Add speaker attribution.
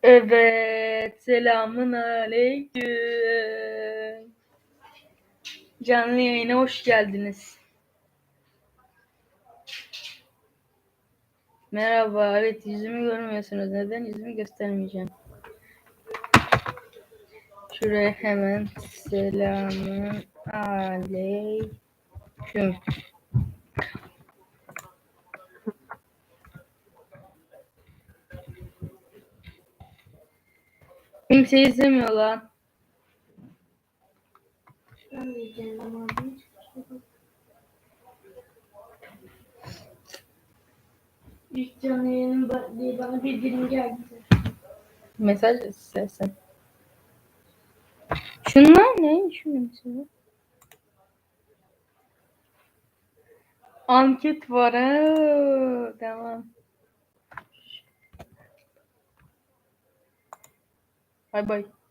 Speaker 1: Evet, selamun aleyküm. Canlı yayına hoş geldiniz. Merhaba, evet yüzümü görmüyorsunuz. Neden? Yüzümü göstermeyeceğim. Şuraya hemen selamun aleyküm. Kimse izlemiyor lan.
Speaker 2: Ben diyeceğim ama hiç ilk canlı yayının diye bana bildirim geldi.
Speaker 1: Mesaj istersen. Şunlar ne? Şunu mesela. Anket var ha. Tamam. Bay bay.